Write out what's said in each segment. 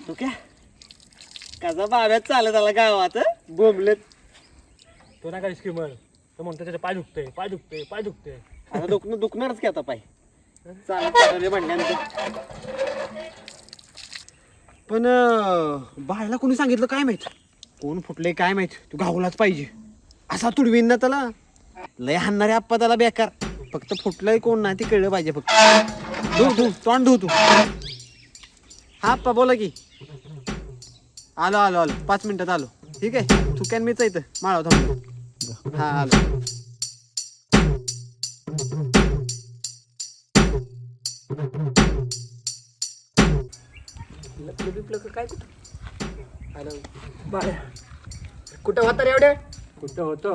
तू क्या कसा बाब्यात चालत आला गावात बोंबलेत. तो नाही का स्कीमर तो म्हणतो त्याचे पाय दुखते पाय दुखते पाय दुखते. आता दुखणारच की आता पाय चालत चालले म्हणल्यानंतर. पण बायला कोणी सांगितलं काय माहित, कोण फुटले काय माहित. तू गावलाच पाहिजे असा तुडवीन ना त्याला. लय हाणणारे आप्पा त्याला बेकार. फक्त फुटलंय कोण नाही ते कळलं पाहिजे. फक्त धू तोंड धू तू. हा आप्पा बोला की. आलो 5 मिनिटात आलो. ठीक आहे चुक्यान मीच इथं माळाव थांबलो. हा आलो. काय कुठं होता रे एवढे? कुठं होतं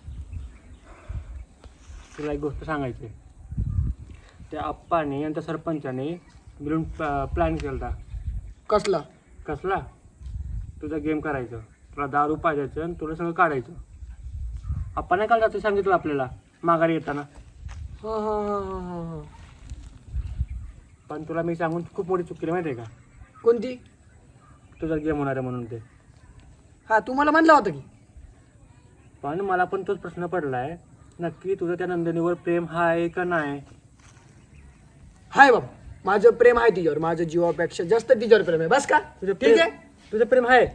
तुला एक गोष्ट सांगायची. त्या आप्पाने आणि त्या सरपंचाने मिळून प्लॅन केला. कसला? कसला? तुझा गेम करायचं, तुला दारू पाजायचं आणि तुला सगळं काढायचं. आप्पा नाही काढला ते सांगितलं आपल्याला माघारी येताना. हा. पण तुला मी सांगून खूप मोठी चुकी माहिती आहे का? कोणती? तुझा गेम होणार आहे म्हणून ते. हा तुम्हाला म्हणला होता की. पण मला पण तोच प्रश्न पडला आहे, नक्की तुझं त्या नंदिनीवर प्रेम आहे का नाही? हाय बाबा माझं प्रेम आहे तिच्यावर. माझं जीवापेक्षा जास्त तिच्यावर प्रेम आहे. बस का? ठीक आहे. तुझं प्रेम आहे?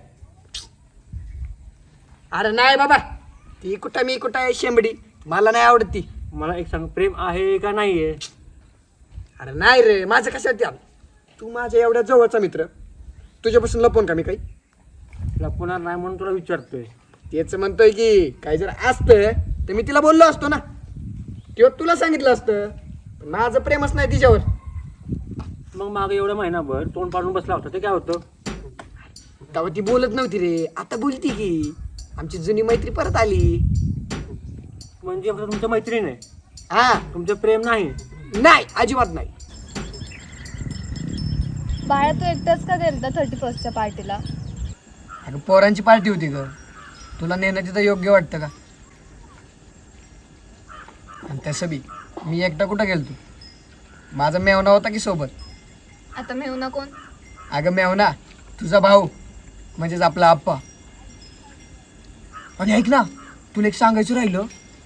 अरे नाही बाबा ती कुठं मी कुठं आहे शेंबडी. मला नाही आवडत ती. मला एक सांग, प्रेम आहे का नाही आहे? अरे नाही रे माझं कशात त्या. तू माझ्या एवढ्या जवळचा मित्र, तुझ्यापासून लपवून का मी काही? लपवणार नाही म्हणून तुला विचारतोय. तेच म्हणतोय की काही जर असतं तर मी तिला बोललो असतो ना, किंवा तुला सांगितलं असतं. पण माझं प्रेमच नाही तिच्यावर. मग मागे एवढा महिनाभर तोंड पाडून बसला होता, ते काय होतं? तेव्हा ती बोलत नव्हती रे, आता बोलती की. आमची जुनी मैत्री परत आली. म्हणजे फक्त तुमचं मैत्रीण आहे, हा तुमचं प्रेम नाही? नाही अजिबात नाही. बाळा तू एकटाच का गेलता 31st पार्टीला? अगं पोरांची पार्टी होती ग, तुला नेणं तिथं योग्य वाटतं का? आणि तसं बी मी एकटा कुठं गेलतो, माझा मेवना होता की सोबत. आता मेहुना कोण? अगं मेवना तुझा भाऊ, म्हणजेच आपला आप्पा. आणि ऐक ना, तुला एक सांगायचं राहिलं.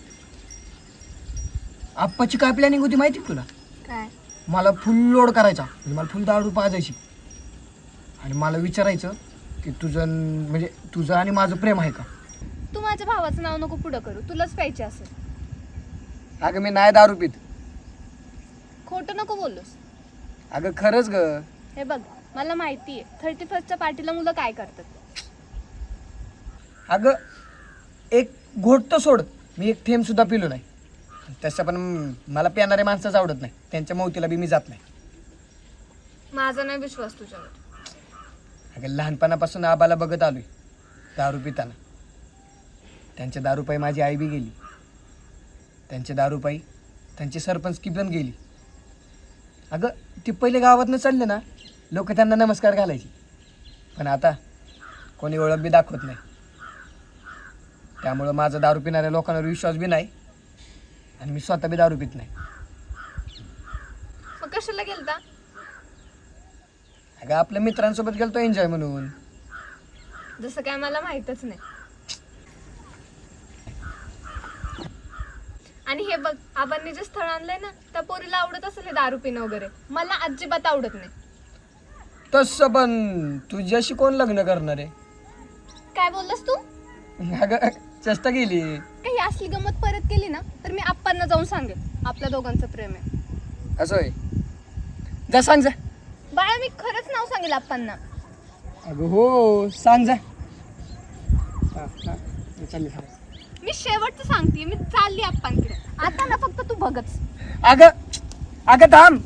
आप्पाची काय प्लॅनिंग होती माहिती तुला? काय? मला फुल लोड करायचा, म्हणजे मला फुल दारू पाजायची. आणि मला विचारायचं की तुझं आणि माझं प्रेम आहे का? तू माझ्या भावाचं नाव नको पुढं करू, तुलाच प्यायचे असेल. अगं मी नाही दारू पित. खोटं नको बोलूस. अगं खरंच ग. हे बघ मला माहिती आहे 31st पार्टीला मुलं काय करतात. अगं एक घोट तर सोड, मी एक थेंब सुद्धा पिलो नाही. तसं पण मला पिणाऱ्या माणसाच आवडत नाही, त्यांच्या मौतीला बी मी जात नाही. माझा नाही विश्वास तुझ्यावर. अगं लहानपणापासून आबाला बघत आलोय दारू पिताना. त्यांच्या दारूपायी माझी आई बी गेली, त्यांच्या दारूपायी त्यांची सरपंचकी पण गेली. अगं ते पहिले गावातनं चालले ना, लोक त्यांना नमस्कार घालायचे. पण आता कोणी ओळख बी दाखवत नाही. त्यामुळं माझा दारू पिणाऱ्या लोकांवर विश्वास बी नाही, आणि मी स्वतः बी दारू पित नाही. मग कशाला गेलता? अगं आपल्या मित्रांसोबत गेलतो एन्जॉय म्हणून. जसं काय मला माहीतच नाही. आणि हे बघ आपण जे स्थळ आणलंय ना, त्या पोरीला आवडत असेल हे दारू पिणं वगैरे, मला अजिबात आवडत नाही. तसं पण तुझ्याशी कोण लग्न करणार आहे? काय बोललास तू? अगं चेष्टा केली. काही असली गमत परत केली ना तर मी आप्पांना जाऊन सांगेन आपल्या दोघांचं प्रेम आहे. असं आहे? जा सांग जा. बाळा मी खरंच नाव सांगेल आप्पांना. अगं हो सांग जा. चालले. मी शेवटचं सांगते, मी चालली आप्पांकडे. आता ना फक्त तू बघच. अगं अगं थांब.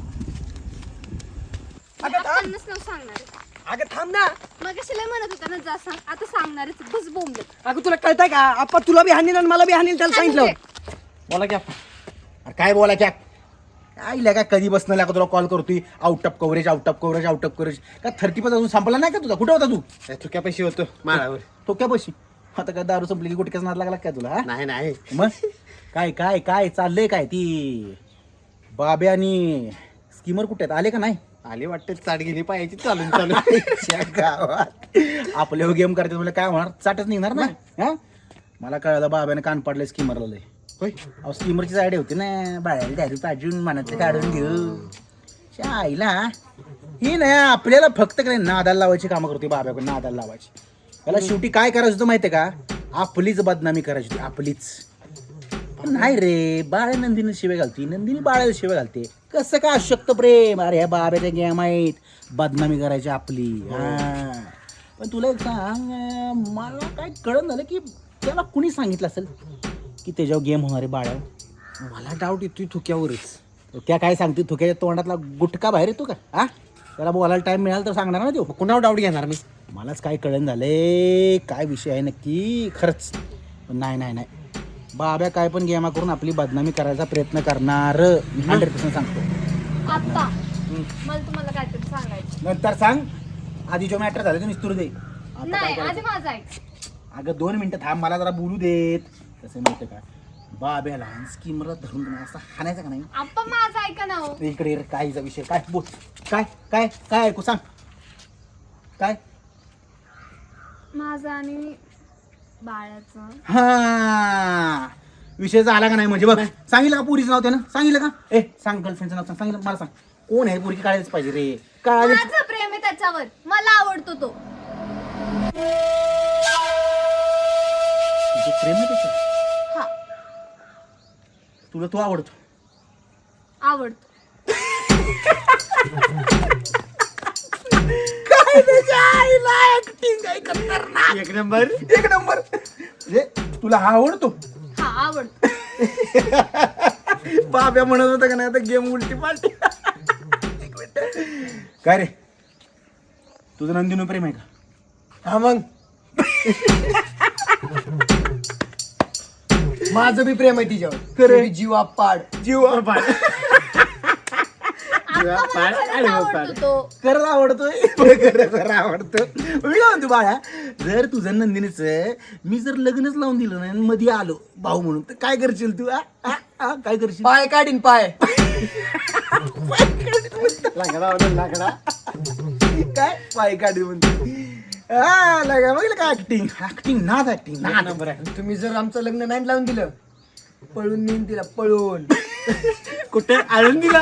अगं थांब. आप्पांनाच नाव सांगणार आहे. अगं थांब ना. मग लय म्हणत होता ना जा सांग, आता सांगणारच. बस बोंबले. अगं तुला कळतंय का? आपण तुला बी हानील आणि मला बी हानील, त्याला सांगितलं. बोला की आप्पा. अरे काय बोला क्या आईला का कधी बसणं लागा तुला कॉल करतोय. आउट ऑफ कव्हरेज का 30 अजून संपला नाही का तुझा? कुठं होता तू? चुक्या पैसे होतो माळावर. तो क्या पैसे आता काय दारू संपली की गुटक्याच नाद लागला काय तुला? नाही मग काय काय काय चाललंय काय? ती बाबे आणि स्कीमर कुठे आहेत? आले का नाही? आली वाटते चाट गेली पायाची चालून चालून आईच्या गावात आपल्या गेम करते तुला काय होणार चाटच निघणार ना हा मला कळलं बाब्याने कान पाडले स्कीमरला लय होय अहो स्कीमरची साईड होती ना बाळाला दारू पाजून मनातलं काढून घेऊ च्या आईला ही नाही आपल्याला फक्त काय नादाला लावायची कामं करते बाब्याकडे नादाला लावायची त्याला शेवटी काय करायचं होतं माहितीये का आपलीच बदनामी करायची होती आपलीच पण नाही रे बाळ नंदिनी शिवे घालते नंदिनी बाळाला शिवे घालते कसं काय अशक्त प्रेम अरे ह्या बाब्याच्या गेम आहेत बदनामी करायची आपली हा पण तुला एक सांग मला काय कळत झालं की त्याला कुणी सांगितलं असेल की त्याच्यावर गेम होणार आहे बाळावर मला डाऊट येतोय थुक्यावरच त्या काय सांगते थुक्याच्या तोंडातला गुटखा बाहेर येतो का हा त्याला बोलायला टाइम मिळाला तर सांगणार ना तो कुणावर डाऊट घेणार मी मलाच काय कळण झालंय काय विषय आहे नक्की खरंच पण नाही बाब्या काय पण गेमा करून आपली बदनामी करायचा प्रयत्न करणार 100% सांगतो आप्पा मला तुम्हाला काहीतरी सांगायचं. नंतर सांग आधी जो मॅटर झालं ते निस्तूर दे आता काय नाही करायचं? आधी माझं ऐक. अगं 2 मिनिटं थांब मला जरा बोलू देत कसं माहिती का बाब्याला स्कीमला धरून तुम्हाला असं हाणायचं का नाही आप्पा माझं ऐका ना हो. इकडे ये, काहीचा विषय काय बोल काय काय काय ऐकू सांग काय माझं आणि बाळाचं. हा विषय झाला का नाही म्हणजे बघ सांगितलं का पुरीचं नाव त्यानं सांगितलं का ए सांग गर्लफ्रेंडचं नाव सांग सांगितलं मला सांग कोण आहे पुरी काढायलाच पाहिजे रे काढायला माझं प्रेम आहे त्याच्यावर. मला आवडतो तो. तुझं प्रेम आहे त्याचं हा तुला तो आवडतो आवडतो. एक नंबर एक नंबर म्हणजे तुला हा आवडतो हा आवडतो. बाब्या म्हणत होता का नाही आता गेम उलटी पालटी काय रे तुझं नंदिनो प्रेम आहे का हा मग माझं बी प्रेम आहे तिच्यावर खरं? ते बी जीवा पाड जीव आप्पा मला खरंच आवडतो तो. खरंच आवडतोय खरं आवडतो मी काय म्हणतो बाळा जर तुझं नंदिनीच मी जर लग्नच लावून दिलं नाही आणि मध्ये आलो भाऊ म्हणून तर काय करशील तू काय करशील पाय काढीन पाय. लाकडा काय पाय काढी म्हणते हा लगा बघितलं का ऍक्टिंग नाद ऍक्टिंग ना नंबर आहे तुम्ही जर आमचं लग्न नाही लावून दिलं पळून नेईन तिला पळून. कुठे आणून दिला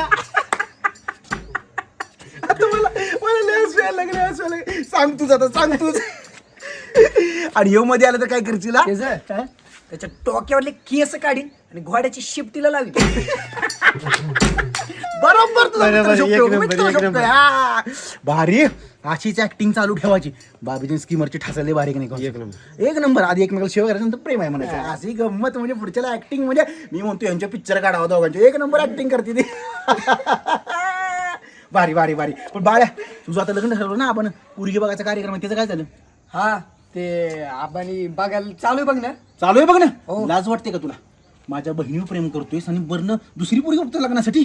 मला लय हसू यायला लागलं, हसू यायला लागलं. सांग तूच आता सांग तूच आणि ह्यो मध्ये आलं तर काय करशील हा? त्याचं त्याच्या डोक्यावरले केस काढीन आणि घोड्याची शिफ्टीला लावीन. बरोबर तुझा बरोबर, मित्र एक शोभतोय, नंबर, मित्र एक शोभतोय. नंबर. हा. भारी अशीच ऍक्टिंग चालू ठेवायची बाबीजी स्कीमरची ठसाले भारी की नाही एक नंबर. एक नंबर आधी एकमेकाला शेव करायचं नंतर प्रेम आहे म्हणायचं अशी गंमत म्हणजे पुढच्याला ऍक्टिंग म्हणजे मी म्हणतो यांच्या पिक्चर काढावं दोघांचे एक नंबर ऍक्टिंग करते ती भारी भारी भारी पण बाळ्या तुझं आता लग्न ठरवलं ना आपण पुरगी बघायचा कार्यक्रम आहे त्याचं काय झालं हा ते आपण बघायला चालू आहे बघ ना. चालू आहे बघ ना हो. लाज वाटते का तुला माझ्या बहिणीवर प्रेम करतोयस आणि बरं दुसरी पुरगी बघतो लग्नासाठी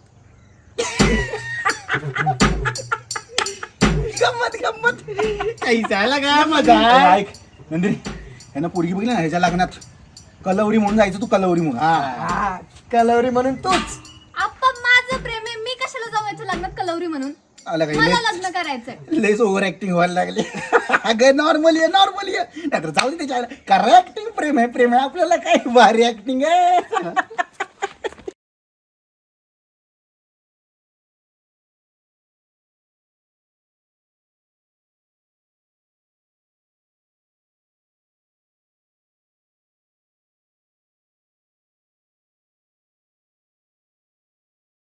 गंमत गंमत काही जायला काय मजा ऐक नंदिनी यांना पोरगी बघली ना ह्याच्या लग्नात कलवरी म्हणून जायचं तू कलवरी म्हणून हा कलवरी म्हणून तूच. आप्पा माझं प्रेम आहे. मी कशाला जाऊ याच्या लग्नात कलवरी म्हणून. आला काही मला लग्न करायचंय. लेस ओव्हर ऍक्टिंग व्हायला लागली अगं नॉर्मली आहे नाहीतर जाऊ दे त्याच्या करा ऍक्टिंग प्रेम आहे आपल्याला काय भारी ऍक्टिंग आहे